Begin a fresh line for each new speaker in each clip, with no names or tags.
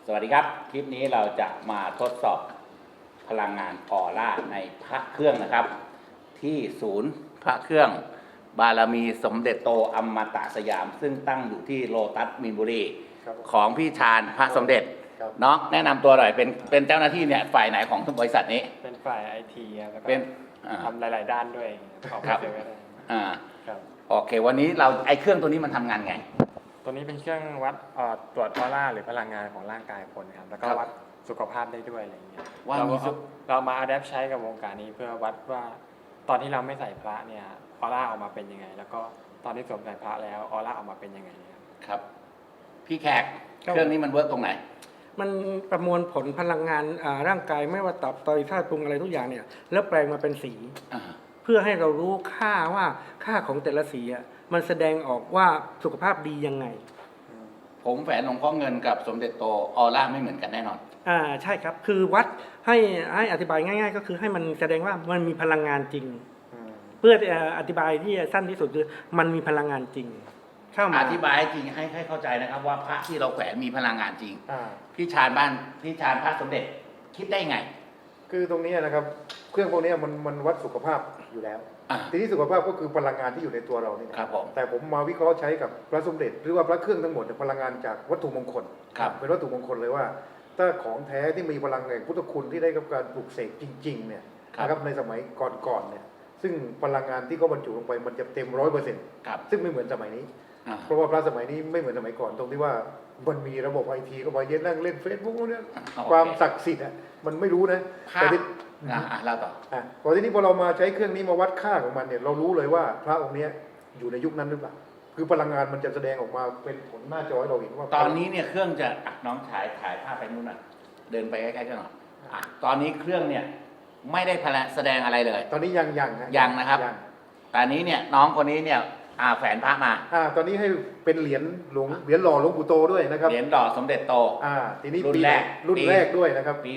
วัสดีครับคลิปนี้เราจะมาทดสอบพลังงานออร่าในพระเครื่องนะครับ ที่ศูนย์พระเครื่องบารมีสมเด็จโตอมตะสยาม ซึ่งตั้งอยู่ที่โลตัสมีนบุรีของพี่ชาญพระสมเด็จน้องแนะนำตัวหน่อยเป็นเจ้าหน้าที่เนี่ยฝ่ายไหนของบริษัทนี้
เป็นฝ่ายไอทีแล้วก็
เป็น
ทำหลายๆด้านด้วย
ครับ
ครับ
โอเควันนี้เราไอเครื่องตัวนี้มันทำงานไง
ตัวนี้เป็นเครื่องวัดตรวจออร่าหรือพลังงานของร่างกายคนครับแล้วก็วัดสุขภาพได้ด้วยอะไรอย่างเงี้ยเรามาอัดแอปใช้กับวงการนี้เพื่อวัดว่าตอนที่เราไม่ใส่พระเนี่ยออร่าออกมาเป็นยังไงแล้วก็ตอนที่สวมใส่พระแล้วออร่าออกมาเป็นยังไง
ครับพี่แขกเครื่องนี้มันเวิร์กตรงไหน
มันประมวลผลพลังงานร่างกายไม่ว่าตับไตธาตุปรุงอะไรทุกอย่างเนี่ยแล้วแปลงมาเป็นสีเพื่อให้เรารู้ค่าว่าค่าของแต่ละสีมันแสดงออกว่าสุขภาพดียังไง
ผมแฝนหลวงพ่อเงินกับสมเด็จโตออร่าไม่เหมือนกันแน่นอน
ใช่ครับคือวัดให้อธิบายง่ายๆก็คือให้มันแสดงว่ามันมีพลังงานจริงเพื่ออธิบายที่สั้นที่สุดคือมันมีพลังงานจริง
อธิบายจริงให้เข้าใจนะครับว่าพระที่เราแขวนมีพลังงานจริงพี่ชาญพระสมเด็จคิดได้ไง
คือตรงนี้นะครับเครื่องพวกนี้มันวัดสุขภาพอยู่แล้วทีนี้สุขภาพก็คือพลังงานที่อยู่ในตัวเรานี่
ครับผม
แต่ผมมาวิเคราะห์ใช้กับพระสมเด็จหรือว่าพระเครื่องทั้งหมดพลังงานจากวัตถุมงคลเป็นวัตถุมงคลเลยว่าถ้าของแท้ที่มีพลังแห่งพุทธคุณที่ได้กับการปลุกเสกจริงๆเนี่ยนะครับในสมัยก่อนๆเนี่ยซึ่งพลังงานที่เขาบรรจุลงไปมันจะเต็ม100%ซึ่งไม่เหมือนสมัยนี้เพราะว่าพระสมัยนี้ไม่เหมือนสมัยก่อนตรงที่ว่ามันมีระบบไอทีเข้าไปเย็นนั่งเล่นเฟซบุ๊กเนี่ยความศักดิ์สิทธิ์มันไม่รู้นะ
แต่ที่เล่าต่อ
พอทีนี้พอเรามาใช้เครื่องนี้มาวัดค่าของมันเนี่ยเรารู้เลยว่าพระองค์นี้อยู่ในยุคนั้นหรือเปล่าคือพลังงานมันจะแสดงออกมาเป็นผลหน้าจอให้เราเห็นว่า
ตอนนี้เนี่ยเครื่องจะน้องถ่ายภาพไปนู่นน่ะเดินไปใกล้ๆกันหน่อยตอนนี้เครื่องเนี่ยไม่ได้แสดงอะไรเลย
ตอนนี้
ยังนะครับตอนนี้เนี่ยน้องคนนี้เนี่ยแฝนพระมา
ตอนนี้ให้เป็นเหรียญหล่อหลวงปู่โตด้วยนะครับ
เหรียญหล่อสมเด็จโต
ทีนี้รุ่นแรกด้วยนะครับ
ปี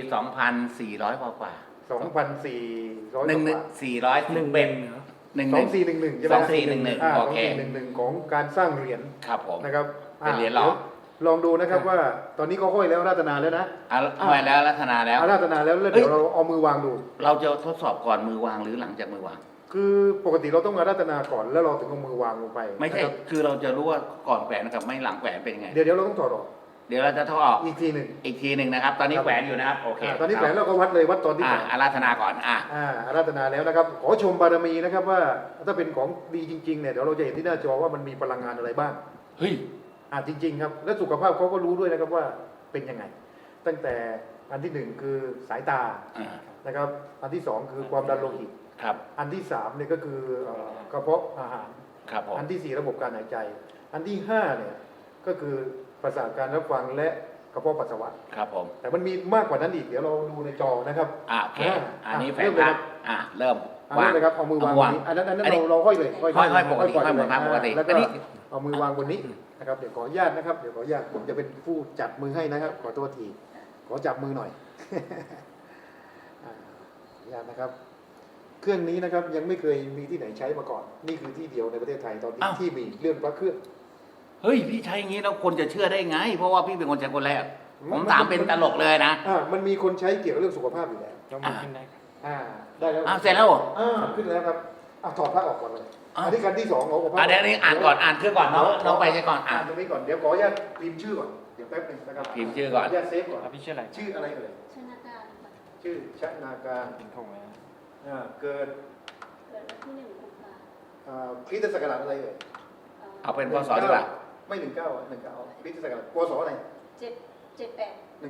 2400กว่า
2400
2411โอเค
2411ของการสร้างเหรียญ
ครับผม
นะครับ
เป็นเหรียญหล่อ
ลองดูนะครับว่าตอนนี้เขาห้อยแล้วราตนาแล้วนะ
ห้อยแล้วราตนาแล้ว
เดี๋ยวเราเอามือวางดู
เราจะทดสอบก่อนมือวางหรือหลังจากมือวาง
คือปกติเราต้องมาราตนาก่อนแล้วเราถึงเอามือวางลงไป
ไม่ใช่คือเราจะรู้ว่าก่อนแขวนกับไม่หลังแขวนเป็นยังไง
เดี๋ยวเราต้องถอดออก
เดี๋ยวเราจะถอดออก
อีกทีหนึ่ง
นะครับตอนนี้แขวนอยู่นะครับโอเค
ตอนนี้แขวนเราก็วัดเลยวัดตอนที่
อาราธนาก่อน
อาราธนาแล้วนะครับขอชมบารมีนะครับว่าถ้าเป็นของดีจริงๆเนี่ยเดี๋ยวเราจะเห็นที่หน้าจอว่ามันมีพลังงานอะไรบ้าง
เฮ้ย
จริงๆครับและสุขภาพเขาก็รู้ด้วยนะครับว่าเป็นยังไงตั้งแต่อันที่หนึ่งคือสายตานะครับอันที่สองคือความดันโลหิตอันที่สามเนี่ยก็คือกระเพาะอาหารอันที่สี่ระบบการหายใจอันที่ห้าเนี่ยก็คือประสาทการรับฟังและกระเพาะปัสสาวะ
ครับผม
แต่มันมีมากกว่านั้นอีกเดี๋ยวเราดูในจอนะครับ
โอเคอันนี้แฝงครับเริ่ม
วางเลยครับเอามือวางอันนั้นเราห้อยเลย
ห้อยปกติห้อยเหมือนพระปกติ
แล้วก็เอามือวางบนนี้นะครับเดี๋ยวขออนุญาตนะครับเดี๋ยวขออนุญาตผมจะเป็นผู้จับมือให้นะครับขอตัวทีขอจับมือหน่อยขออนุญาตนะครับเครื่องนี้นะครับยังไม่เคยมีที่ไหนใช้มาก่อนนี่คือที่เดียวในประเทศไทยตอนนี้ที่มีเรื่องพระเครื่อง
เฮ้ยพี่ใช้อย่างนี้แล้วคนจะเชื่อได้ไงเพราะว่าพี่เป็นคนใช้คนแรกผมถามเป็นตลกเลยนะ
มันมีคนใช้เกี่ยวกับเรื่องสุขภาพอยู่แล้ว
ยกมือขึ้นได้
ได้แล้ว
เสร็จแล้ว
ขึ้นแล้วครับถอดพระออกก่อนเลยอันนี้การที่สองของ
พระเดี๋ยวนี้อ่านก่อนอ่านเครื่องก่อนน้องไปใช่ก่อน
ตรงนี้ก่อนเดี๋ยวขออนุญาตพิมพ์ชื่อก่อนเดี๋ยวแป๊บนึงนะครับ
พิมพ์ชื่อก่อน
ญาตเซฟก่อน
พี่ชื่ออะไร
ชื่ออะไรเอ่ย
ชนาการ
ชื่อชนาการ
เป็นทงเลย
เกิด
วันที่1 กุมภา
พันธ์คริสตศักราชอะไรเอ่ย
เอาเป็นพศดีกว่า
ไม่19คริสตศักราชพศอะไร
1978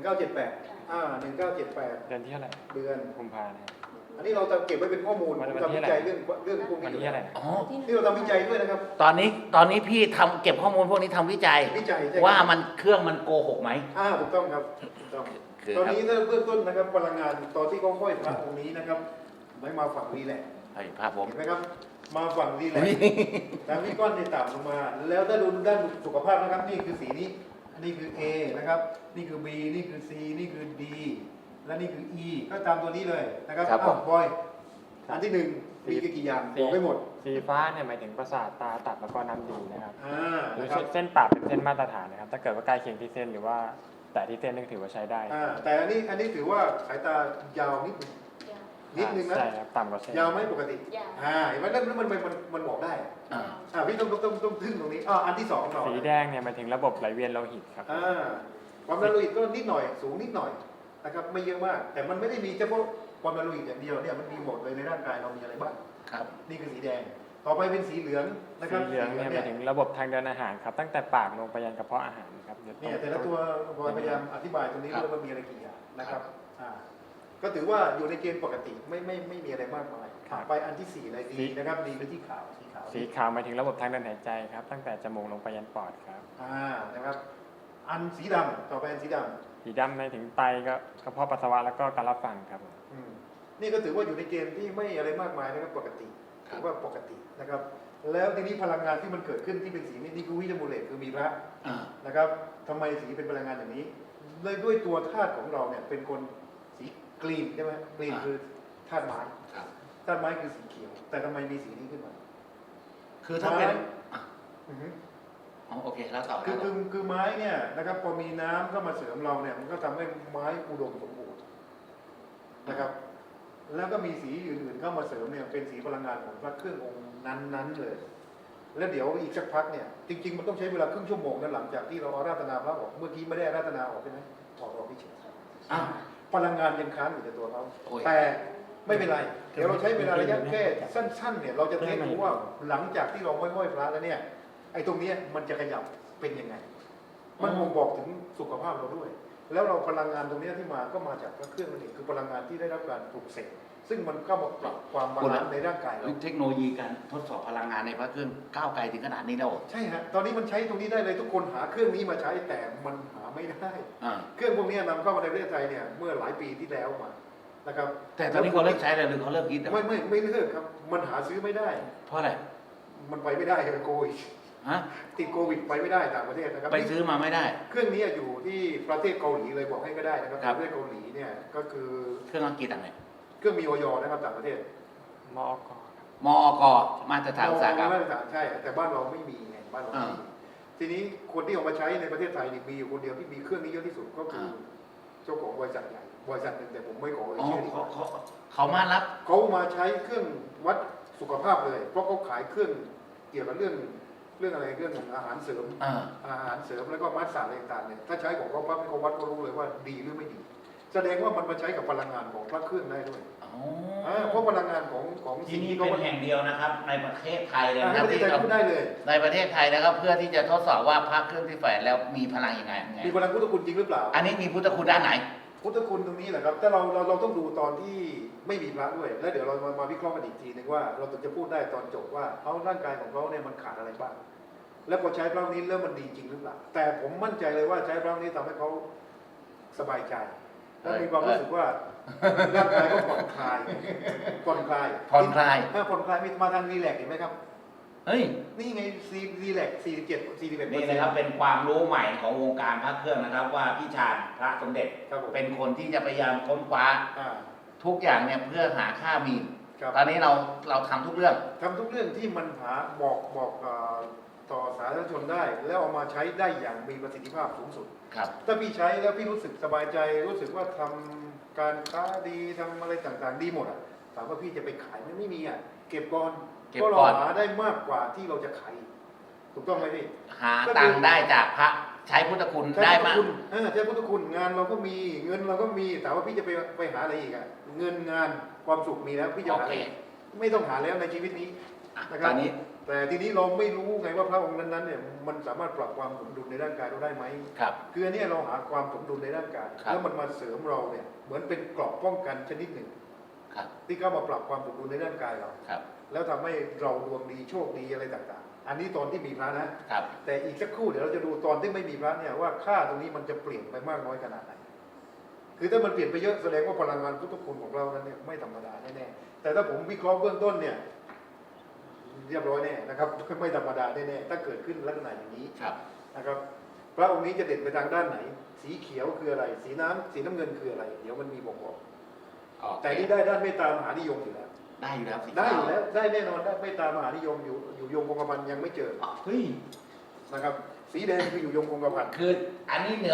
1978
เดือนที่เท่าไหร่
เดือน
กุมภาพันธ์
อันนี้เราจะเก็บไว้เป็นข้อมูลทำวิจัยเรื่องพวกนี้ที่เราทำวิจัยด้วยนะครับ
ตอนนี้พี่ทำเก็บข้อมูลพวกนี้ทำวิจัยว่ามันเครื่องมันโกหกไหม
ถูกต้องครับตอนนี้ถ้าเบื้องต้นนะครับพลังงานตอนที่เขาห้อยพระองค์นี้นะครับไม่มาฝั่งนี้แหละ
ภาพผม
เห็นไหมครับมาฝั่งนี้แหละทางนี้ก้อนในต่ำลงมาแล้วถ้าดูด้านสุขภาพนะครับนี่คือสีนี้นี่คือ A นะครับนี่คือ B นี่คือ C นี่คือ D และนี่คือ E ก็ตามตัวนี้เลยนะครับบอยอันที่หนึ่งมีกี่อย่างบอกให้หมด
สีฟ้าเนี่ยหมายถึงประสาทตาตับแล้วก็น้ำดีนะครับหรือเส้นปากเป็นเส้นมาตรฐานนะครับถ้าเกิดว่าใกล้เคียงที่เส้นหรือว่าแต่ที่เส้นนึงถือว่าใช้ได้
แต่อันนี้ถือว่าสายตายาวนิดนึง
ยาว
นิดนึงนะ
ใช่ครับต่ำกว่าเส้น
ยาวไหมปกติ
ยาว
เห็นไหมแล้วมันบอกได้
อ่า
พี่ต้องทึ่งตรงนี้อันที่สองเรา
สีแดงเนี่ยหมายถึงระบบไหลเวียนโลหิตครับ
ความดันโลหิตก็นิดหน่อยสูงนิดหน่อยนะครับไม่เยอะมาก แต่มันไม่ได้มีเฉพาะความดันโลหิตอย่างเดียวเนี่ยมันมีหมดเลยในร่างกายเรามีอะไรบ้าง
ครับ
นี่คือสีแดง ต่อไปเป็นสีเหลืองนะครับ
สีเหลืองเนี่ยหมายถึงระบบทางเดินอาหารครับตั้งแต่ปากลงไปยันกระเพาะอาหารครับ
เนี่ยแต่ละตัวพยายามอธิบายตรงนี้ด้วยว่ามีอะไรกี่อย่างนะครับก็ถือว่าอยู่ในเกณฑ์ปกติไม่มีอะไรมากมายไปอันที่สี่เลยดีนะครับดีเป็นที่ขาวสีขาว
สีขาวหมายถึงระบบทางเดินหายใจครับตั้งแต่จมูกลงไปยันปอดครับ
นะครับอันสีดำต่อไปอันสีดำ
สีดำหมายถึงไตก็กระเพาะปัสสาวะแล้วก็การรับฟังครับผม
นี่ก็ถือว่าอยู่ในเกณฑ์ที่ไม่อะไรมากมายนะครับปกติถือว่าปกตินะครับ แล้วทีนี้พลังงานที่มันเกิดขึ้นที่เป็นสีนี่คือวิตามินเลตคือมีพระนะครับทำไมสีเป็นพลังงานอย่างนี้เลยด้วยตัวธาตุของเราเนี่ยเป็นคนสีกรีนใช่ไหมกรีนคือธาตุไม้ธาตุไม้คือสีเขียว แต่ทำไมมีสีนี้ขึ้นมา
คือถ้าเป็น
อือฮึ
โอเคแล้วต่อ
คือไม้เนี่ยนะครับพอมีน้ำเข้ามาเสริมเราเนี่ยมันก็ทำให้ไม้อุดมสมบูรณ์นะครับ แล้วก็มีสีอื่นๆเข้ามาเสริมเนี่ยเป็นสีพลังงานของพระเครื่ององค์นั้นๆเลย แล้วเดี๋ยวอีกสักพักเนี่ยจริงๆมันต้องใช้เวลาครึ่งชั่วโมงนะหลังจากที่เราอาราธนาพระออกเมื่อกี้ไม่ได้อาราธนาออกใช่ไหมถอดออกที่เฉยพลังงานยังค้างอยู่ในตัวเขาแต่ไม่เป็นไรเดี๋ยวเราใช้เวลาระยะแค่สั้นๆเนี่ยเราจะเทสดูว่าหลังจากที่เราห้อยพระแล้วเนี่ยไอ้ตรงนี้มันจะขยับเป็นยังไงมันบ่งบอกถึงสุขภาพเราด้วย แล้วเราพลังงานตรงนี้ที่มาก็มาจากพระเครื่องนั่นเองคือพลังงานที่ได้รับการปลุกเสกซึ่งมันเข้ามาปรับความบาลานซ์ในร่างกายเรา
เทคโนโลยีการทดสอบพลังงานในพระเครื่องก้าวไกลถึงขนาดนี้แล้ว
ใช่ฮะตอนนี้มันใช้ตรงนี้ได้เลยทุกคนหาเครื่องนี้มาใช้แต่มันหาไม่ได้เครื่องพวกนี้นำเข้ามาในประเทศไทยเนี่ยเมื่อหลายปีที่แล้วมานะครับ
แต่ตอนนี้เขาเลิกใช้เลยหรือเขาเลิกคิด
ไม่เลิกครับมันหาซื้อไม่ได้
เพราะอะไร
มันไปไม่ได้โควิด ติดโควิดไปไม่ได้ต่างประเทศนะครับ
ไปซื้อมาไม่ได้
เครื่องนี้อยู่ที่ประเทศเกาหลีเลยบอกให้ก็ได้นะครับประเทศเกาหลีเนี่ยก็คือ
เครื่องอังกฤษอะไร
เครื่องมีออยนะครับต่างประเทศ
มอก
มอกมาตรฐานอุตสาหกรรม
มาตรฐานใช่แต่บ้านเราไม่มีไงบ้านเราไม่มีทีนี้คนที่ออกมาใช้ในประเทศไทยนี่มีอยู่คนเดียวที่มีเครื่องนี้เยอะที่สุดก็คือเจ้าของบริษัทใหญ่บริษัทหนึ่งแต่ผมไม่ขอเอ่ยชื่อดีกว่า
เขามารับ
เขามาใช้เครื่องวัดสุขภาพเลย เพราะเขาขายเครื่องเกี่ยวกับเรื่องอะไรเรื่องอาหารเสริมอาหารเสริมแล้วก็มัดสารอะไรต่างๆเนี่ยถ้าใช้ของเขาปั๊บเขาวัดเขารู้เลยว่าดีหรือไม่ดี แสดงว่ามันมาใช้กับพลังงานของพระเครื่องได้ด้วยเพราะพลังงานของ
ที่
สิ่ง
นี่
ที่
เป็
เขา
นแห่งเดียวนะครับ ในประเทศไทยเลย
ใน
นะ
ประเทศไทยพูดได้เลย
ในประเทศไทยนะครับเพื่อที่จะทดสอบว่าพระเครื่องที่แฝงแล้วมีพลังยังไง
มีพลังพุทธคุณจริงหรือเปล่า
อันนี้มีพุทธคุณด้านไหน
พุทธคุณตรงนี้แหละครับแต่เราต้องดูตอนที่ไม่มีพระด้วย แล้วเดี๋ยวเรามาวิเคราะห์กันอีกทีนึงว่าเราถึงจะพูดได้ตอนจบว่าเขาร่างกายของเขาเนี่ยมันขาดอะไรบ้างแล้วพอใช้พระนี้แล้วมันดีจริงหรือเปล่าแต่ผมมั่นใจเลยว่าใช้พระนี้ทำให้เขาสบายใจและมีความรู้สึกว่าร่างกายก็ผ่อนคลายผ่อนคลายมีมาทางรีแลกซ์เห็นไหมครับ
เฮ้ย
นี่ไงรีแลกซ์47
นี่นะครับเป็นความรู้ใหม่ของวงการพระเครื่องนะครับ ว่าพี่ชาญพระสมเด็จเป็นคนที่จะพยายามค้นคว้าทุกอย่างเนี่ยเพื่อหาค่ามีนตอนนี้เราทำทุกเรื่อง
ที่มันหาบอกต่อสาธารณชนได้ แล้วเอามาใช้ได้อย่างมีประสิทธิภาพสูงสุดถ้าพี่ใช้แล้วพี่รู้สึกสบายใจรู้สึกว่าทำการค้าดีทำอะไรต่างๆดีหมดอ่ะถามว่าพี่จะไปขายไม่มีอ่ะเก็บก่อนเพราะเราหาได้มากกว่าที่เราจะขายถูกต้องไหมพี่
หาตังค์ได้จากพระใช้พุทธคุณได้มาก
ใช้พุทธคุณงานเราก็มีเงินเราก็มีแต่ว่าพี่จะไปหาอะไรอีกอ่ะเงินงานความสุขมีแล้วพี่จะหาอะไรไม่ต้องหาแล้วในชีวิตนี้นะครับแต่ทีนี้เราไม่รู้ไงว่าพระองค์นั้นๆเนี่ยมันสามารถปรับความสมดุลในร่างกายเราได้ไหมคืออันนี้เราหาความสมดุลในร่างกายแล้วมันมาเสริมเราเนี่ยเหมือนเป็นเกราะป้องกันชนิดหนึ่งที่เข้ามาปรับความสมดุลในร่างกายเราแล้วทำให้เราดวงดีโชคดีอะไรต่างๆอันนี้ตอนที่มีพระนะแต่อีกสักครู่เดี๋ยวเราจะดูตอนที่ไม่มีพระเนี่ยว่าค่าตรงนี้มันจะเปลี่ยนไปมากน้อยขนาดไหนคือถ้ามันเปลี่ยนไปเยอะแสดงว่าพลังงานพุทธคุณของเรานั้นเนี่ยไม่ธรรมดาแน่ๆแต่ถ้าผมวิเคราะห์เบื้องต้นเนี่ยเรียบร้อยแน่นะครับไม่ธรรมดาแน่ๆถ้าเกิดขึ้นลักษณะอย่างนี้นะครับพระองค์นี้จะเด่นไปทางด้านไหนสีเขียวคืออะไรสีน้ำเงินคืออะไรเดี๋ยวมันมีบอกแต่นี่ได้ด้านเมตตามหานิยมอยู่แล้ว
ได้อยู่แล้ว
ได้แน่นอนได้เมตตามหานิยมอยู่ยงคงกระพันยังไม่เจอ
เฮ้ย
นะครับสีแดงคืออยู่ยงคงกระพัน
คืออันนี้เหนือ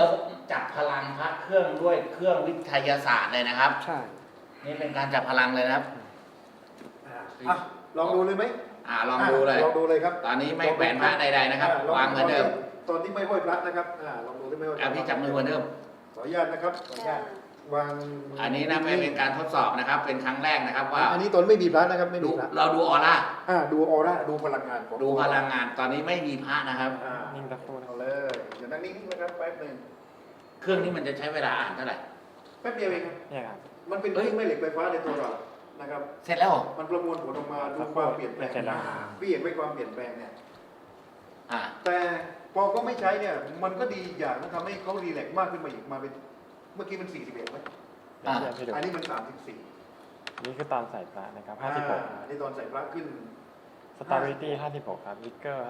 จับพลังพระเครื่องด้วยเครื่องวิทยาศาสตร์เลยนะครับ
ใช่
นี่เป็นการจับพลังเลยนะครับ
อ่ะลองดูเลยไหม
ลองดูเลย
ลองดูเลยครับ
ตอนนี้ไม่แขวนพระใดๆนะครับ
ลอง
วางเหมือนเดิม
ตอนที่ไม่ห้อยพระนะครับลองดูที่ไม่ห้อยพระ
พี่จับมือเหมือนเดิม
ขออนุญาตนะครับขออนุญาตวางมื
อันนี้นะเป็นการทดสอบนะครับ เป็นครั้งแรกนะครับว่า
อันนี้ตอนไม่มีพระนะครับไม่มีพระ
เราดูออร่า
ดูออร่าดูพลังงานของ
ดูพลังงานตอนนี้ไม่มีพระนะครับ
นิ่งสักครู่นะ
เอาเลยเดี๋ยวนั่งนิ่งๆนะครับแป๊บหนึง
เครื่องนี้มันจะใช้เวลาอ่านเท่าไหร่
แป๊บเดียวเองครับ
เนี่ยครับ
มันเป็นเครื่องแม่เหล็กไฟฟ้าในตัวเรานะครับ
เสร็จแล้วเหรอ
มันประมวลผลออกมาดูความเปลี่ยนแปลง
เสร็จแล้ว
พี่เห็นไหมความเปลี่ยนแปลงเนี่ย
อ่า
แต่พอเขาไม่ใช้เนี่ย มันก็ดีอย่างนะทำให้เขารีแลกซ์มากขึ้นมาอีกมาเป็นเมื่อกี้มัน41ไหม
เดี๋ยวเทียบให้ดู
อันนี้มัน34
นี่คือตอนใส่พระนะครับ
นี่ตอนใส่พระขึ้น
56 Stability 56 ครับ Vigor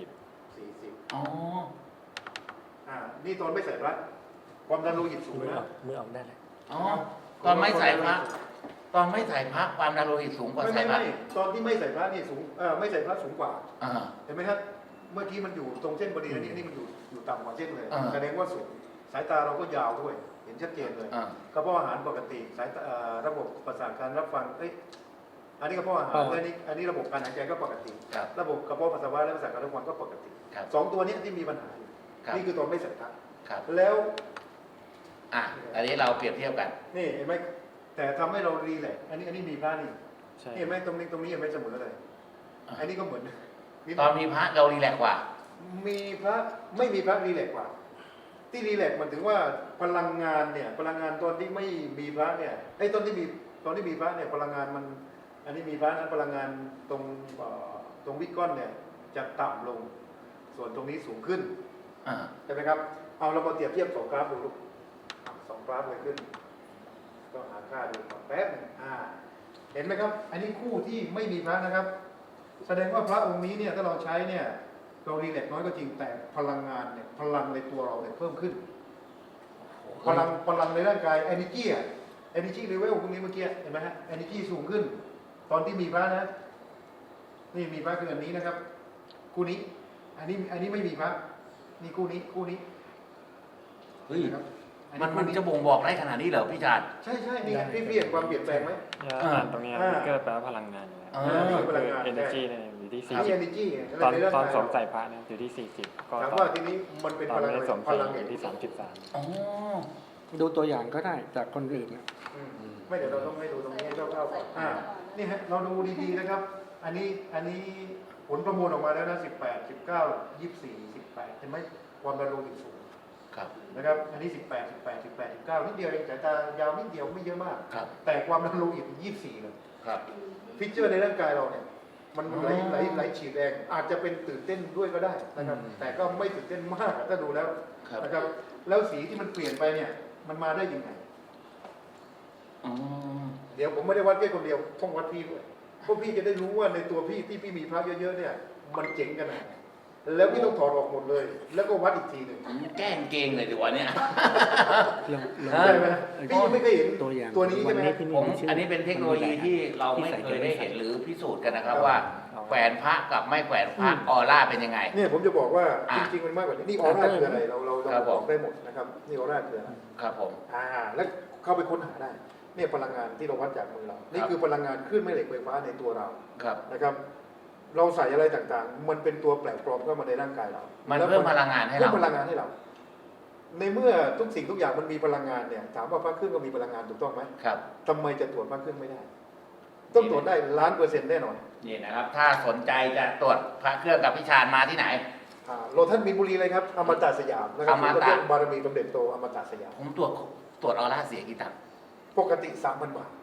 40
40
อ๋อ
นี่ตอนไม่ใส่พระความดันโลหิตสูงนะ
มือออกได้เลย
อ๋อ ตอนไม่ใส่พระตอนไม่ใส่พระความดันโลหิตสูงกว่า
ไม่
ใส่พระ
ตอนที่ไม่ใส่พระนี่สูงไม่ใส่พระสูงกว่า
อ่า
เห็นไหมครับเมื่อกี้มันอยู่ตรงเส้นพอดีอันนี้มันอยู่ต่ำกว่าเส้นเลย
อ่า
แสดงว่าสูงสายตาเราก็ยาวด้วย เห็นชัดเจนเลย
อ่า
กระเพาะอาหารปกติสายตาระบบประสาทการรับฟังอันนี้กระเพาะอาหารอันนี้ระบบการหายใจก็ปกติ
ครับ
ระบบกระเพาะปัสสาวะและประสาทการรับฟังก็ปกติ
ครับ
สองตัวเนี้ที่มีปัญหาอยู่
ครับ
นี่คือตอนไม่ใส่พระ
ครับ
แล้ว
อันนี้เราเปรียบเทียบกัน
นี่เห็นไหมแต่ทำให้เรารีแลกซ์อันนี้มีพระนี่
ใช่
เห็นไหมตรงนี้เห็นไหมเสมอเลย
อ่า
อันนี้ก็เหมือน
ตอนมีพระเรารีแลกซ์กว่า
มีพระไม่มีพระรีแลกซ์กว่า ที่รีแลกซ์มันถึงว่าพลังงานเนี่ยพลังงานตอนที่ไม่มีพระเนี่ยตอนที่มีพระเนี่ยพลังงานมันอันนี้มีพระนั้นพลังงานตรงวิกก้อนเนี่ยจะต่ำลง ส่วนตรงนี้สูงขึ้น
อ่า
ใช่ไหมครับเอาเรามาเปรียบเทียบสองกราฟดูลูกสองกราฟเลยขึ้นก็หาค่าดูก่อนแป๊บหนึงเห็นไหมครับ อันนี้คู่ที่ไม่มีพระนะครับ แสดงว่าพระองค์นี้เนี่ยถ้าเราใช้เนี่ยเรารีแลกซ์น้อยก็จริงแต่พลังงานเนี่ยพลังในตัวเราเนี่ยเพิ่มขึ้น พลังในร่างกาย energy energy level พวกนี้เมื่อกี้เห็นไหมฮะ energy สูงขึ้น ตอนที่มีพระนะ นี่มีพระคืออันนี้นะครับ คู่นี้ อันนี้ไม่มีพระนี่คู่นี้
เฮ้ย
นะครับอั
มันจะบ่งบอกได้ขนาดนี้เหรอพี่ชาญ
ใช่นี่ไงพี่เห็นความเปลี่ยนแปลงไหม
เนี่ยอ่านตรงนี้ Vigor แปลว่าพลังงานอยู่แล้ว
อ่า
ก็คือ Energy เนี่ยอยู่ที่
นี่ energy ไง
40 ตอน
ในร่าง
ตอน
กาย
สวมใส่พระเนี่ยอยู่ที่ 40 ก็
ถาม
ตอ
ว่าน ทีนี้มันเป็น
ตอ
พ
น
ลัง
ไม่ได้สวม
พ
ใส่
ลัง
อยู่ที่ 33
อ๋อ
ดูตัวอย่างก็ได้จากคนอื่นนะ
ไม่เดี๋ยวเราต้องให้ดูตรงนี้คร่าวๆก่อนนี่ฮะเราดูดีๆนะครับ อันนี้ผลประมวลออกมาแล้วนะ18 19 24 18เห็นไหมความดันโลหิตสูง
ครับ
นะครับ อันนี้18 19นิดเดียวเองสายตายาวนิดเดียวไม่เยอะมาก
ครับ
แต่ความดันโลหิต24เลย
ครับ
ฟิชเจอร์ในร่างกายเราเนี่ยมันไหลฉีดแรงอาจจะเป็นตื่นเต้นด้วยก็ได้นะครับ แต่ก็ไม่ตื่นเต้นมากถ้าดูแล้ว
ครับ
นะครับ แล้วสีที่มันเปลี่ยนไปเนี่ยมันมาได้ยังไง
อ๋อ
เดี๋ยวผมไม่ได้วัดแค่คนเดียวต้องวัดพี่ด้วยเพราะพี่จะได้รู้ว่าในตัวพี่ที่พี่มีพระเยอะๆเนี่ย มันเจ๋งขนาดไหนแล้วพี่ต้องถอดออกหมดเลย แล้วก็วัดอีกทีหนึ่ง
ผมแกล้งเกงเลยดีกว่าเนี่ย
ลอง
ใช่ไหมพี่ยังไม่เคยเห็น
ตัวอย่าง
ตัวนี้ใช่ไหม
วัที่
ผม
ชื่
อันนี้เป็นเทคโนโลยีที่เราไม่เคยได้เห็นหรือพิสูจน์กันนะครับว่าแขวนพระกับไม่แขวนพระออร่าเป็นยังไง
เนี่ยผมจะบอกว่า
อ่ะ
จริงๆมันมากกว่านี้นี่ออร่าคืออะไรเรา
ครับผม
บอกได้หมดนะครับนี่ออร่าคืออะไร
ครับผม
แล้วเข้าไปค้นหาได้เนี่ยพลังงานที่เราวัดจากมือเรานี่คือพลังงานคลื่นแม่เหล็กไฟฟ้าในตัวเรา
ครับ
นะครับ เราใส่อะไรต่างๆ มันเป็นตัวแปลกปลอมเข้ามาในร่างกายเรา
มัน
แล้ว
เพิ่มพลังงานให้
เพิ่
เรา
มพลังงานให้เรา ในเมื่อทุกสิ่งทุกอย่างมันมีพลังงานเนี่ยถามว่าพระเครื่องก็มีพลังงานถูกต้องไหม
ครับ
ทำไมจะตรวจพระเครื่องไม่ได้ ต้องตรวจได้1,000,000%แน่นอน
นี่นะครับ ถ้าสนใจจะตรวจพระเครื่องกับพี่ชาญมาที่ไหน
โลท่านมีนบุรีเลยครับอมตะสยามนะครับ
อมตะ
เครื่องบารมีสมเด็จโตอมตะสยาม
ผมตรวจออร่าเสียกี่ตังค์
ปกติ 3,000 บาท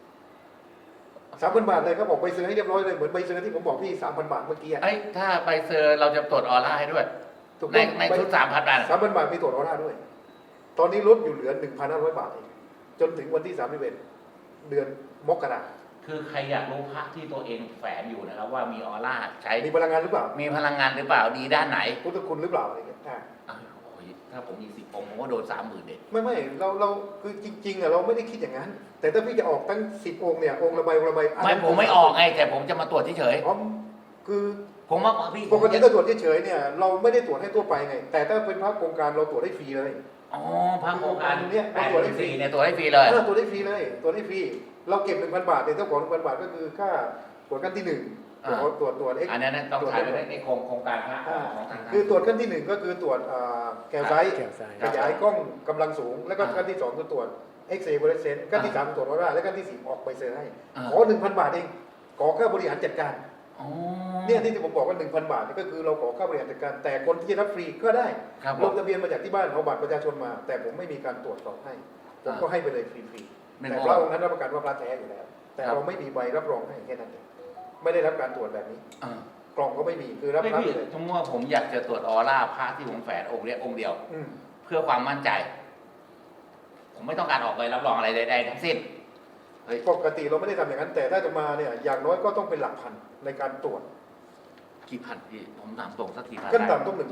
3,000 บาทเลยครับบอกใบเซอร์ให้เรียบร้อยเลยเหมือนใบเซอร์ที่ผมบอกพี่ 3,000 บาทเมื่อกี้อะ
เอ้ยถ้าใบเซอร์เราจะตรวจออร่าให้ด้วย
ถูก
ใน
ต้อง
ในชุด3,000 บาท
3,000 บาทมีตรวจออร่าด้วย ตอนนี้ลดอยู่เหลือ 1,500 บาทเองจนถึงวันที่31เดือนมกราคม
คือใครอยากรู้พระที่ตัวเองแฝงอยู่นะครับ ว่ามีออร่าใช้
มีพลังงานหรือเปล่า
มีพลังงานหรือเปล่าดีด้านไหน
พุทธคุณหรือเปล่าอะไรเงี้ย
อ้าวโอ้ยถ้าผมมี10 องค์ผมก็โดน 30,000เด็ด
ไม่เราคือจริงๆอะเราไม่ได้คิดอย่างนั้น แต่ถ้าพี่จะออกตั้ง10 องค์เนี่ยองค์ละใบอัน
ไม่
นั้น
ผมไม่ออกไงแต่ผมจะมาตรวจเฉย
อ๋อคือ
ๆผมว่าพี่
ปกติถ้าตรวจเฉยๆเนี่ยเราไม่ได้ตรวจให้ทั่วไปไง แต่ถ้าเป็นพระโครงการเราตรวจให้ฟรีเลย
อ๋อพระโครงการ
เนี่ยเราตรวจได้ฟรี
84เนี่ยตรวจได้ฟรีเลย
ตัวจได้ฟรีเลยตัวจได้ฟรีเราเก็บ 1,000 บาทเนี่ยเจ้าของ 1,000 บาทก็คือค่าตรวจขั้นที่ 1ตรวจ X
อันนั้นต้องใช้ไปในโครงการพระของทาง
คือตรวจขั้นที่ 1ก็คือตรวจแกลไซต์
แกลไซต์
ขยายกล้องกำลังสูง แล้วก็ขั้นที่2คือตรวจเอ็กซเรย์เฟลูออเรสเซนซ์ขั้นที่3ตรวจออร่าและขั้นที่4ออกใบเซอร์ให้ขอ 1,000 บาทเองขอค่าบริหารจัดการ
อ๋อ
เนี่ยที่ผมบอกว่า 1,000 บาทนี่ก็คือเราขอค่าบริหารจัดการแต่คนที่จะรับฟรีก็ได้
ครับผ
ล
ม
งทะเบียนมาจากที่บ้านเอาบัตรประชาชนมา แต่ผมไม่มีการตรวจสอบให้ผมก็ให้ไปเลยฟรีๆแต่พระองค์นั้นรับประกันว่าพระแท้อยู่แล้ว แต่เราไม่มีใบรับรองให้แค่นั้นเองไม่ได้รับการตรวจแบบนี้
อ่า
กล่องก็ไม่มีคือรับ
ไม่
พระ
พี่
เลย
สมมติว่าผมอยากจะตรวจออร่าพระที่ผมแฝงองค์เนี้ยองค์เดียว
อืม
เพื่อความมั่นใจ ผมไม่ต้องการออกใบรับรองอะไรใดๆทั้งสิ้น
ปกติเราไม่ได้ทำอย่างนั้น แต่ถ้าจะมาเนี่ยอย่างน้อยก็ต้องเป็นหลักพันในการตรวจ
กี่พันพี่ผมถามตรงสักกี่พัน
ขั้นต่ำต้อง 1,000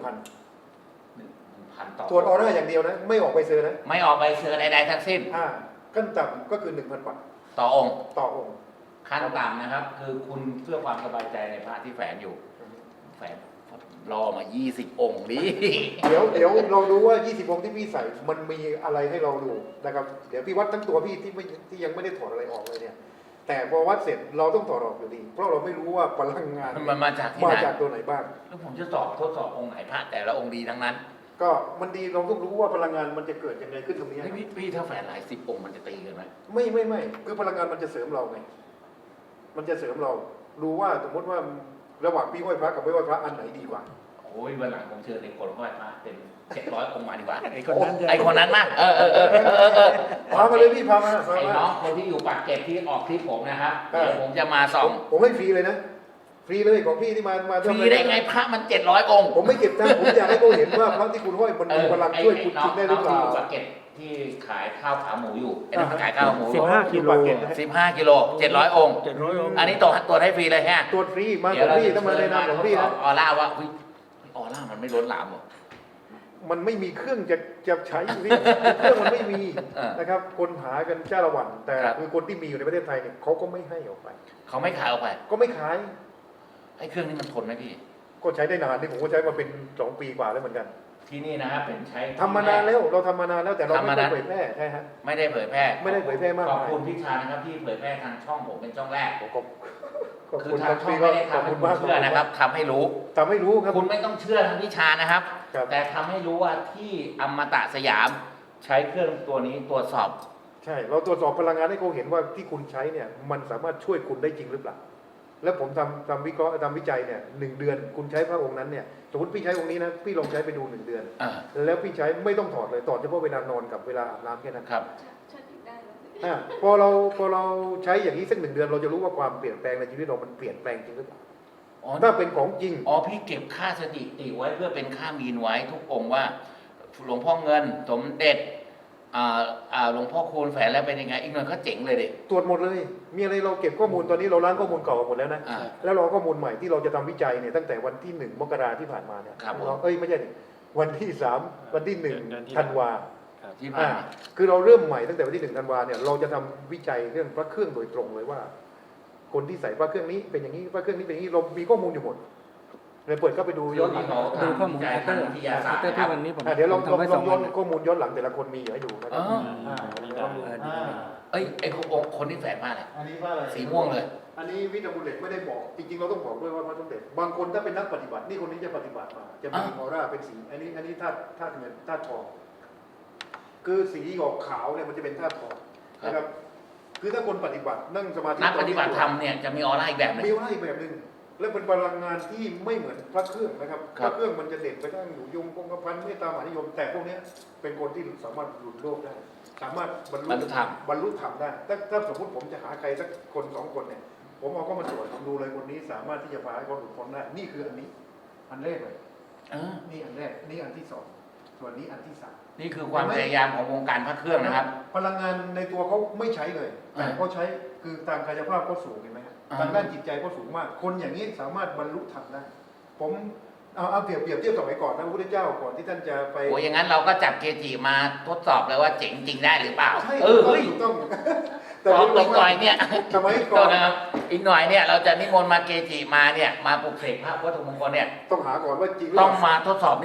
1,000ต่อ
ตรวจออร่าอย่างเดียวนะไม่ออกใบเซอร์นะ
ไม่ออกใบเซอร์ใดๆทั้งสิ้น
ขั้นต่ำก็คือ 1,000 บาท
ต่อองค์
ต่อองค์
ขั้นต่ำนะครับ คือคุณเพื่อความสบายใจในพระที่แฝงอยู่ แฝงรอมา 20 องค์นี้
เดี๋ยวเราดูว่า 20 องค์ที่พี่ใส่มันมีอะไรให้เราดูนะครับเดี๋ยวพี่วัดทั้งตัวพี่ที่ยังไม่ได้ถอดอะไรออกเลยเนี่ยแต่พอวัดเสร็จเราต้องถอดออกอยู่ดี เพราะเราไม่รู้ว่าพลังงาน
มันมาจากที่ไหน
มาจากตัวไหนบ้าง
แล้วผมจะทดสอบองค์ไหนพระแต่ละองค์ดีทั้งนั้น
ก็มันดีเราต้องรู้ว่าพลังงานมันจะเกิดยังไงขึ้นตรงนี้
เฮ้ยพี่ถ้าแฝงหลาย10 องค์มันจะตีกันไหม
ไม่คือพลังงานมันจะเสริมเราไงมันจะเสริมเรารู้ว่าสมมติว่าระหว่างพี่ไหว้พระกับไม่ไหว้พระอันไหนดีกว่า
โอ้ยวันหลังผมเชิญในคนไหว้พระเป็น700 องค์มาดีกว่า
ไอ้คนนั้นจะ
ไอ้คนนั้นมา
พามาเลยพี่พามา
ไอ้น้องคนที่อยู่ปากเกร็ดที่ออกคลิปผมนะครับเดี๋ยวผมจะมาส่อง
ผมให้ฟรีเลยนะฟรีเลยของพี่ที่มา
ฟรีได้ไงพระมัน700 องค์
ผมไม่เก็บตังค์ผมอยากให้เขาเห็นว่าพระที่คุณห้อยมันมีพลังช่วยคุณจริงได้หรือเปล่า
น้งที่อยู่ปากเกร็ดที่ขายข้าวขาหมูอยู่ไอ้นั่นมันขายข้าวหมู
15 กิโล
15 กิโล700 องค์
700 องค์
อันนี้ตัวจให้ฟรีเลยฮะ
ตัวฟรีมาตัวฟรีถ้ามาในนามของพี่นะ
ออร่าว่าออร่ามันไม่ล้นหลามหรอ
มันไม่มีเครื่องจะใช้พี่เครื่องมันไม่มีนะครับคนหากันจ้าละวันแต่คือคนที่มีอยู่ในประเทศไทยเนี่ยเขาก็ไม่ให้ออกไป
เขาไม่ขายออกไป
ก็ไม่ขาย
ไอ้เครื่องนี้มันทนไหมพี่
ก็ใช้ได้นานที่ผมก็ใช้มาเป็น2 ปีกว่าแล้วเหมือนกัน
ที่นี่นะครับเป็นใช้
ทำมานานแล้วเราทำมานานแล้วแต่เราไม่ได้เผยแพร่ใช่ฮะ
ไม่ได้เผยแพร่
ไม่ได้เผยแพร่มาก
ขอบ
มาย
คุณพี่ชานะครับที่เผยแพร่ทางช่องผมเป็นช่องแรก
ขอบ
คือ
คุณ
ทางช่อง
พี่
ไม่ได้
ขอบ
ทำให้
คุณ
คุณ
มาก
เชื่อนะครับทำให้รู้
ทำให้รู้ครับ
คุณไม่ต้องเชื่อทางพี่ชานะครับ
ครับ
แต่ทำให้รู้ว่าที่อมตะสยามใช้เครื่องตัวนี้ตรวจสอบ
ใช่เราตรวจสอบพลังงานให้เขาเห็นว่าที่คุณใช้เนี่ยมันสามารถช่วยคุณได้จริงหรือเปล่าแล้วผมทำวิเคราะห์ทำวิจัยเนี่ย1 เดือนคุณใช้พระองค์นั้นเนี่ยสมมติพี่ใช้องค์นี้นะพี่ลองใช้ไปดู1 เดือน
อ่า
แล้วพี่ใช้ไม่ต้องถอดเลยถอดเฉพาะเวลานอนกับเวลาอาบน้ำแค่นั้น
ครับ
ชัดติดได้แล้วสิ
พอเราใช้อย่างนี้สัก1 เดือนเราจะรู้ว่าความเปลี่ยนแปลงในชีวิตเรามันเปลี่ยนแปลงจริงหรือเปล่า
อ๋อ
ถ้าเป็นของจริง
อ๋อพี่เก็บค่าสถิติไว้เพื่อเป็นค่ามีนไว้ทุกองค์ว่า หลวงพ่อเงินสมเด็จหลวงพ่อคูณแฝงแล้วเป็นยังไงอีกหน่อยก็เจ๋งเลยดิ
ตรวจหมดเลย มีอะไรเราเก็บข้อมูลตอนนี้เราล้างข้อมูลเก่าหมดแล้วนะ
อ่า
แล้วเราข้อมูลใหม่ที่เราจะทำวิจัยเนี่ยตั้งแต่วันที่1 มกราที่ผ่านมาเนี่ย
ครับผม
เราไม่ใช่ดิวันที่3วันที่
เดือนที่
1 ธันวา
ครับ
ที่ผ่านมา
คือเราเริ่มใหม่ตั้งแต่วันที่1 ธันวาเนี่ยเราจะทำวิจัยเรื่องพระเครื่องโดยตรงเลยว่า คนที่ใส่พระเครื่องนี้เป็นอย่างนี้พระเครื่องนี้เป็นอย่างนี้เรามีข้อมูลอยู่หมดเลยเปิดเข้าไปดูย้อนหลัง
ดูข้อมูล
วิจัยทางวิทยาศาสตร์
แต่
นะค
ที่
รับ
วันนี้ผม
เดี๋ยวเรา
ทำไว้2
ย้
วั
อน
น
ข้อมูลย้อนหลังแต่ละคนมีอยู่ให้ดูนะค
อ๋
รั
อบ
วันนี้ได้
เอ้ยไอ้คนที่แฝงมาเนี่ย
อันนี้ว่าอะไร
สีม่วงเลย
อันนี้วิทยาบุลเลตไม่ได้บอกจริงๆเราต้องบอกด้วยว่าพระสมเด็จบางคนถ้าเป็นนักปฏิบัตินี่คนนี้จะปฏิบัติมาจะมีออร่าเป็นสีอันนี้ธาตุเงินธาตุทองคือสีออกขาวเนี่ยมันจะเป็นธาตุทองนะครับคือถ้าคนปฏิบัตินั่งสมาธิ
นักปฏิบัติธรรมเนี่ยจะมีออร่าอีกแบบหนึง
มีออร่าอีกแบบหนึ่งและเป็นพลังงานที่ไม่เหมือนพระเครื่องนะครับ
ค
พ
รับ
ระเครื่องมันจะเด่นไปทางอยู่ยงคงกระพันเมตตามหานิยม แต่พวกเนี้ยเป็นคนที่สามารถหลุดโลกได้ สามารถบรรลุธรรมได้ถ้าสมมติผมจะหาใครสักคน2 คนเนี่ยผมเอาเข้ามาตรวจผมดูเลยคนนี้สามารถที่จะพาให้เขาหลุดพ้นได้นี่คืออันนี้อันแรกเลย นี่อันแรกนี่อันที่ 2ส่วนนี้อันที่ 3
นี่คือความพยายามของวงการพระเครื่องนะครับ
พลังงานในตัวเขาไม่ใช้เลยแต่เขาใช้คือทางกายภาพเขาสูงเห็นไหมฮะทางด้านจิตใจเขาสูงมาก คนอย่างนี้สามารถบรรลุธรรมได้ผมเอาเปรียบเทียบสมัยก่อนนะพระพุทธเจ้าก่อนที่ท่านจะไป
โอ้ยอย่างนั้นเราก็จับเกจิมาทดสอบเลยว่าเจ๋งจริงได้หรือเปล่า
ใช่
เฮ้ย
ถูกต้อง
พร้อมอีกหน่อยเนี่ย
สมัยก่
ก็
อน
นะครับอีกหน่อยเนี่ยเราจะนิมนต์มาเกจิมาเนี่ยมาปลุกเสกพระวัตถุมงคลเนี่ย
ต้องหาก่อนว่าจริงหรือ
ต้อง
เปล่า
มาทดสอบนี่ก่อน
อ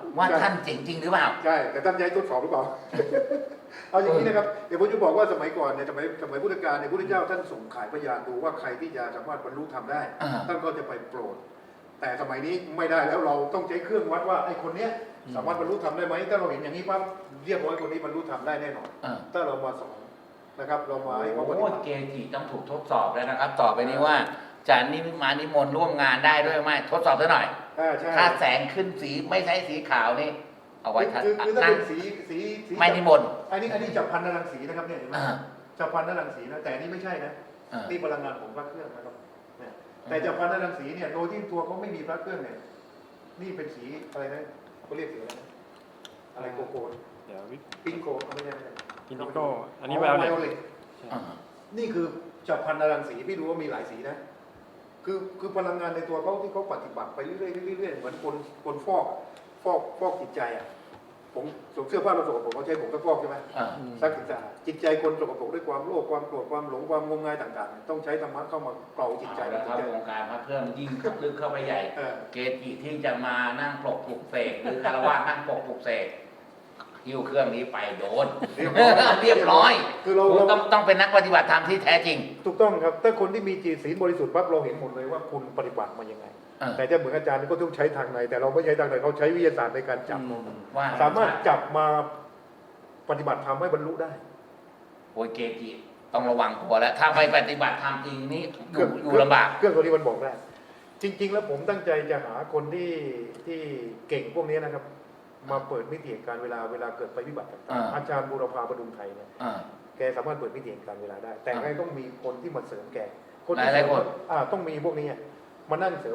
ว่าท่านเจ๋งจริงหรือเปล่า
ใช่แต่ท่านย้ายทดสอบหรือเปล่า เอาอย่างนี้นะครับเดี๋ยวผมจะบอกว่าสมัยก่อนเนี่ยสมัยพุทธกาลเนี่ยพุทธเจ้าท่านส่งขายพยานดูว่าใครที่จะสามารถบรรลุธรรมได้
อ่า
ท่านก็จะไปโปรด แต่สมัยนี้ไม่ได้แล้วเราต้องใช้เครื่องวัดว่าไอ้คนเนี้ยสามารถบรรลุธรรมได้ไหมถ้าเราเห็นอย่างนี้ปั๊บเรียบร้อยคนนี้บรรลุธรรมได้แน่นอน ถ้าเรามาสอนนะครับเรามาให้เขาปฏิ
โอ้
บัติ
เกจิต้องถูกทดสอบแล้วนะครับ ต่อไปนี้ว่าจะนิมนต์ร่วมงานได้ด้วยไหมทดสอบซะหน่อย
ใช่
ถ้าแสงขึ้นสีไม่ใช่สีขาวนี่เอาไว้
คือถ้า
นั่ง
เป็นสี
ไม่นิมนต์
อันนี้จับพันนรังสีนะครับเนี่ยเห็นไหม
อ่า
จับพันนรังสีนะแต่อันนี่ไม่ใช่นะ
อ่า
นี่พลังงานของพระเครื่องนะครับเนี่ยแต่จับพันนรังสีเนี่ยโดยที่ตัวเขาไม่มีพระเครื่องเนี่ยนี่เป็นสีอะไรนะเขาเรียกสีอะไรนะอะไรโกโก้
เดี๋ยววิ
ปิงโกไม่ใช่
อินดิโก้อันนี้ไวโอเลต
อ่า
นี่คือจับพันนรังสีพี่รู้ว่ามีหลายสีนะคือพลังงานในตัวเขาที่เขาปฏิบัติไปเรื่อยๆเหมือนคนฟอกจิตใจอ่ะผมสวมเสื้อผ้าเราสกปรกเขาใช้ผงซักฟอกใช่ไหม
อ่า
ซักสะอาดจิตใจคนสกปรกด้วยความโลภความโกรธความหลงความงมงายต่างๆ ต้องใช้ธรรมะเข้ามาเกลาจิตใจ
เอาละครับวงการพระเครื่องยิ่งลึกเข้าไปใหญ่ เกจิที่จะมานั่งปลกปลุกเสกหรือคารวะนั่งปลกปลุกเสกหิ้วเครื่องนี้ไปโดน เรียบร้อย
คือเรา
ต้องเป็นนักปฏิบัติธรรมที่แท้จริง
ถูกต้องครับถ้าคนที่มีจิตศีลบริสุทธิ์ปั๊บเราเห็นหมดเลยว่าคุณปฏิบัติมายังไง แต่จะเหมือนอาจารย์ก็ต้องใช้ทางในแต่เราไม่ใช้ทางในเขาใช้วิทยาศาสตร์ในการจับ
ว่า
สามารถจับมาปฏิบัติธรรมให้บรรลุได้
โอ้ยเกจิต้องระวังตัวแล้วถ้าไปปฏิบัติธรรมจริงนี่อยู่ลำบาก
เครื่องตัวนี้มันบอกได้ จริง ๆ แล้วผมตั้งใจจะหาคนที่เก่งพวกนี้นะครับ มาเปิดมิติแห่งการเวลาเกิดไปวิบัติต่างๆอาจารย์บูรพาประดุมไทยเนี่ย แกสามารถเปิดมิติแห่งการเวลาได้ แต่ไงต้องมีคนที่มาเสริมแกที่
หลายๆคน
ต้องมีพวกนี้มานั่งเสริม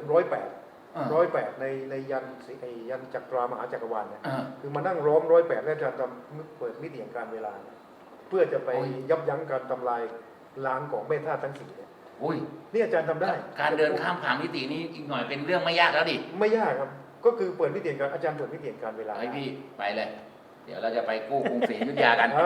108ในยันจักรามหาจักรวาลเนี่ยคือมานั่งร้อม108และอาจารย์ทำเปิดมิติแห่งการเวลาเนี่ยเพื่อจะไปยับยั้งการทำลายล้างของแม่ธาตุทั้งสี่เนี่ย
อุ้ย
นี่อาจารย์ทำได้
การเดินข้ามผ่านมิตินี้อีกหน่อยเป็นเรื่องไม่ยากแล้วดิ
ไม่ยากครับก็คือเปิดมิติแห่งการอาจารย์เปิดมิติแห่งการเวลา
ให้พี่ไปเลย เดี๋ยวเราจะไปกู้กรุงศรีอยุธยากัน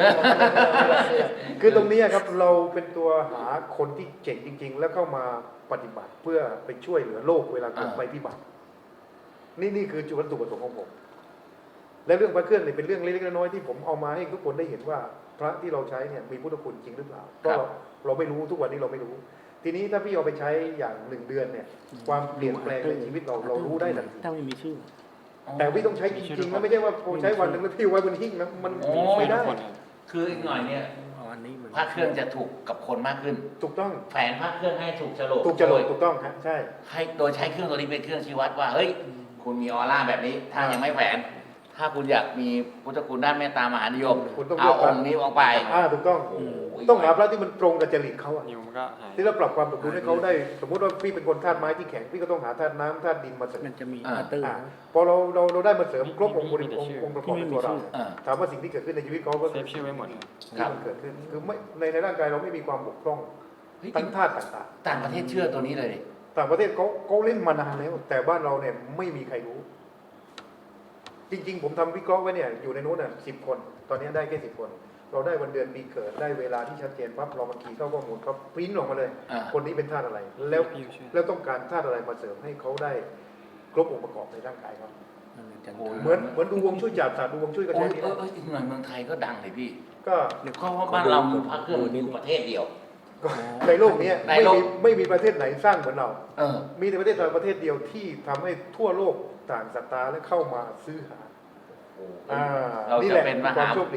คือตรงนี้ครับเราเป็นตัวหาคนที่เจ๋งจริง ๆ แล้วเข้ามาปฏิบัติเพื่อไปช่วยเหลือโลกเวลาเกิดภัยพิบัตินี่คือจุดวัตถุประสงค์ของผมและเรื่องพระเครื่องเนี่ยเป็นเรื่องเล็กๆน้อยๆที่ผมเอามาให้ทุกคนได้เห็นว่าพระที่เราใช้เนี่ยมีพุทธคุณจริงหรือเปล่าเพราะเราไม่รู้ทุกวันนี้เราไม่รู้ ทีนี้ถ้าพี่เอาไปใช้อย่าง1 เดือนเนี่ยความเปลี่ยนแปลงในชีวิตเรารู้ได้ทันที
ถ้าไม่มีชื่อ
แต่พี่ต้องใช้จริงๆนะไม่ใช่ว่าใช้วันหนึ่งแล้วพี่ไว้บนหิ้งนะมันไม่ได้
คืออีกหน่อยเนี่ย
อันนี้มัน
พระเครื่องจะถูกกับคนมากขึ้น
ถูกต้อง
แฝงพระเครื่องให้ถูกโฉลก
ถูกจรดถูกต้องฮะใช่
ให้โดยใช้เครื่องตัวนี้เป็นเครื่องชี้วัดว่าเฮ้ยคุณมีออร่าแบบนี้ ถ้ายังไม่แฝงถ้าคุณอยากมีพุทธคุณด้านเมตตามหานิยม
คุณต้อง
เอาองค์นี้ออกไป
ถูกต้อง
โอ้โห
ต้องหาพระที่มันตรงกับจริตเขาอะ
นิวมันก็หาย
ที่เราปรับความสมดุลให้เขาได้ สมมติว่าพี่เป็นคนธาตุไม้ที่แข็งพี่ก็ต้องหาธาตุน้ำธาตุดินมาเสริม
มันจะมีอัตเตอร์
พอเราได้มาเสริมครบองค์ประกอบในตัวเรา
อ่า
ถามว่าสิ่งที่เกิดขึ้นในชีวิตเขาก็
เซฟชื่อไว้หมดเลย
ที่มันเกิดขึ้นคือไม่ในร่างกายเราไม่มีความบกพร่อง
เฮ้ย
ทั้งธาตุต่าง
ต่างประเทศเชื่อตัวนี้เลยดิ
ๆต่างประเทศเขาเล่นมานานแล้วแต่บ้านเราเนี่ยไม่มีใครรู้ จริงๆผมทำวิเคราะห์ไว้เนี่ยอยู่ในนู้นน่ะ10 คน ตอนนี้ได้แค่10 คน เราได้วันเดือนปีเกิดได้เวลาที่ชัดเจนปั๊บเรามาคีย์เข้าข้อมูลเขาปริ้นออกมาเลย
อ่า
คนนี้เป็นธาตุอะไร แล้วต้องการธาตุอะไรมาเสริมให้เขาได้ครบองค์ประกอบในร่างกายครับ เหมือนดูวงช่วยจับศาสตร์ดูวงช่วยก็
โอ้
ใช้
ย
นี่
อีกหน่อยเมืองไทยก็ดังเลยพี่
ก็
เพราะว่าบ้านเรามีพระเครื่องอยู่ประเทศเดียว
ในโลกนี้
ในโลก
ไม่มีประเทศไหนสร้างเหมือนเรา
เออ
มีแต่ประเทศไทยประเทศเดียวที่ทำให้ทั่วโลกต่างศรัทธาและเข้ามาซื้อหา
เรา
นี่
จะ
แหละ
เป็นม
ควา
หาม
โชคดี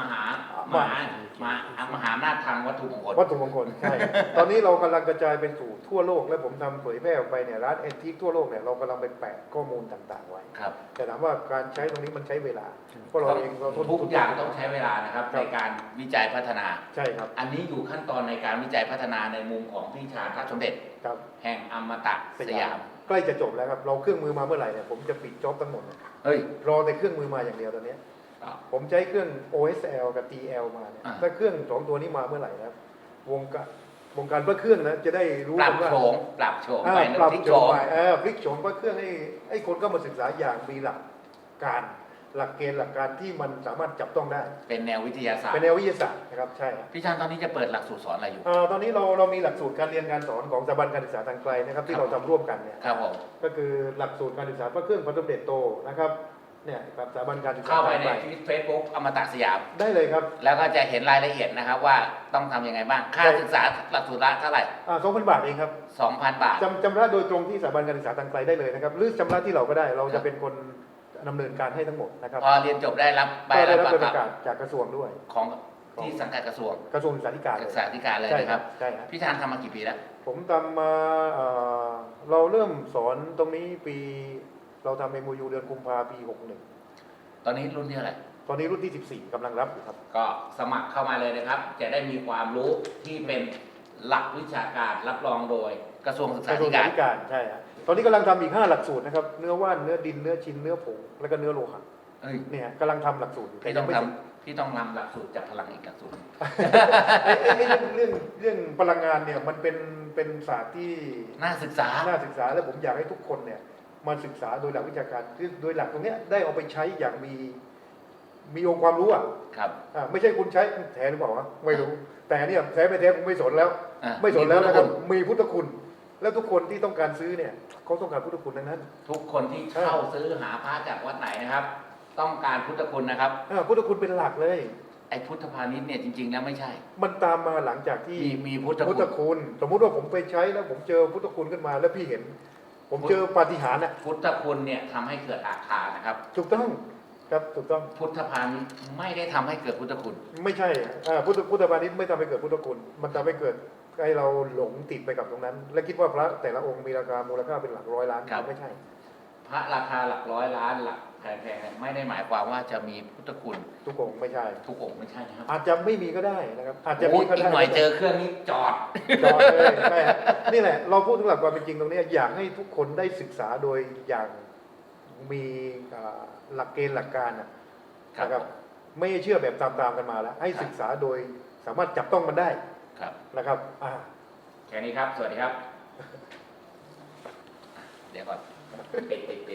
มหาอำนาจทางวัตถุมงคล
วัตถุมงคลใช่ ตอนนี้เรากำลังกระจายไปสู่ทั่วโลกและผมทำเผยแพร่ออกไปเนี่ยร้านแอนทิคทั่วโลกเนี่ยเรากำลังไปแปะข้อมูลต่างๆไว้
ครับ
แต่ถามว่าการใช้ตรงนี้มันใช้เวลาเพราะเราเองเราทด
ทุกอย่างต้องใช้เวลานะครับ
ครับ
ในการวิจัยพัฒนา
ใช่ครับ
อันนี้อยู่ขั้นตอนในการวิจัยพัฒนาในมุมของพี่ชาญพระสมเด็จ
ครับ
แห่งอมตะสยาม
ใกล้จะจบแล้วครับเราเครื่องมือมาเมื่อไหร่เนี่ยผมจะปิดจ็อบทั้งหมด
เฮ้ย
รอแต่เครื่องมือมาอย่างเดียวตอนนี้ ผมใช้เครื่อง OSL กับ TL มาเนี่ย
อ่า
ถ้าเครื่อง2 ตัวนี้มาเมื่อไหร่นะครับวงการพระเครื่องนะจะได้รู้
ปรับ
ว่า
โฉมปรับโฉม
อ่า
ไป
ปรับ
ที่
โฉ
โฉ
ม
ม
ไปพลิกโฉมพระเครื่องให้คนเข้ามาศึกษาอย่างมีหลักการ หลักเกณฑ์หลักการที่มันสามารถจับต้องได้
เป็นแนววิทยาศาสต
เป็น
ร์
แนววิทยาศาสตร์นะครับใช่ครับ
พี่ชาญตอนนี้จะเปิดหลักสูตรสอนอะไรอยู่
ตอนนี้เรามีหลักสูตรการเรียนการสอนของสถาบันการศึกษาทางไกลนะครับที่เราทำร่วมกันเนี่ย
ครับผม
ก็คือหลักสูตรการศึกษาพระเครื่องพระสมเด็จโตนะครับเนี่ยครับสถาบันการศึกษา
เข้าไปใน
ทงกล
เฟซบุ๊กอมตะสยาม
ได้เลยครับ
แล้วก็จะเห็นรายละเอียดนะครับว่าต้องทำยังไงบ้าง ค่าศึกษาหลักสูตรละเท่าไหร่
2,000 บาทเองครับ
2,000 บาท
จำระโดยตรงที่สถาบันการศึกษาทางไกลได้เลยนะครับหรือชำระที่เราก็ได้เราจะเป็นคนดำเนินการให้ทั้งหมดนะครับ
พอเรียนจบได้รับใบ
ก็ได้
รับ
รับ
ประ
ประ
กาศ
กาศจากกระทรวงด้วย
ของที่สังกัดกระทรวง
กระทรวงศึกษาธิการ
ศึกษาธิการเลย
ใช่
นะครับ
ใช่ครับ
พี่ธานทำมากี่ปีแล้ว
ผมทำมาเราเริ่มสอนตรงนี้ปีเราทำ MOU เดือนกุมภาพันธ์ปี
ตอนนี้รุ่นที่เท่าไหร่
61 ตอนนี้รุ่นที่ 14กำลังรับอยู่ครับ
ก็สมัครเข้ามาเลยนะครับ จะได้มีความรู้ที่เป็นหลักวิชาการรับรองโดยกระทรวงศึก
ก
ษา
ระทรว
ธิ
งศึก
กา
ษาร ธิการใช่ครับตอนนี้กำลังทำอีก 5 หลักสูตรนะครับเนื้อว่านเนื้อดินเนื้อชิ้นเนื้อผงแล้วก็เนื้อโลหะ
เอ้ย
เนี่ยกำลังทำหลักสูตรอยู่
พี่ต้อง
ไม่
ท
เสร็จ
ำพี่ต้องนำหลักสูตรจากพลังอีกหลักสูตร
เรื่องพลังงานเนี่ยมันเป็นศาสตร์ที่
น่าศึกษา
น่าศึกษาและผมอยากให้ทุกคนเนี่ยมาศึกษาโดยหลักวิชาการคือโดยหลักตรงเนี้ยได้เอาไปใช้อย่างมีองค์ความรู้อ่ะ
ครับ
ไม่ใช่คุณใช้แท้หรือเปล่าวะไม่รู้ แต่เนี่ยแท้ไม่แท้ผมไม่สนแล้ว
อ่ะ
ไม่สนแล้วนะครับ
มีพุทธคุณ
มีพุทธคุณ แล้วทุกคนที่ต้องการซื้อเนี่ยเขาต้องการพุทธคุณทั้งนั้น
ทุกคนที่เข้าซื้อหาพระจากวัดไหนนะครับ ต้องการพุทธคุณนะครับ
พุทธคุณเป็นหลักเลย
ไอ้พุทธพาณิชย์เนี่ยจริงๆแล้วไม่ใช่
มันตามมาหลังจากที่
มีพุทธ
พุทธ
คุณ
คุณ สมมุติว่าผมไปใช้แล้วผมเจอพุทธคุณขึ้นมาแล้วพี่เห็น ผมเจอปาฏิหาริย์น่ะ
พุทธคุณเนี่ยทำให้เกิดอาคารนะครับ
ถูกต้องครับถูกต้อง
พุทธพาณิชย์ไม่ได้ทำให้เกิดพุทธคุณ
ไม่ใช่พุทธพาณิชย์ไม่ทำให้เกิดพุทธคุณ มันทำให้เกิดให้เราหลงติดไปกับตรงนั้น และคิดว่าพระแต่ละองค์มีราคามูลค่าเป็นหลักร้อยล้าน
ครับ
ไม่ใช่
พระราคาหลักร้อยล้านหลักแพงๆไม่ได้หมายความว่าจะมีพุทธคุณ
ทุกองค์ไม่ใช่
ทุกองค์ไม่ใช่นะครับ
อาจจะไม่มีก็ได้นะครับอาจจะ
โอ้
มี
ย
ก็
อี
ได้
กหน่อยเจอเครื่องนี้จอด
จอดเลยใช่ฮะนี่แหละเราพูดถึงหลักความเป็นจริงตรงนี้อยากให้ทุกคนได้ศึกษาโดยอย่างมีหลักเกณฑ์หลักการนะครับไม่ให้เชื่อแบบตามๆกันมาแล้ว ให้ศึกษาโดยสามารถจับต้องมันได้
ครับ
นะครับ
แค่นี้ครับ สวัสดีครับ เดี๋ยวก่อนปิด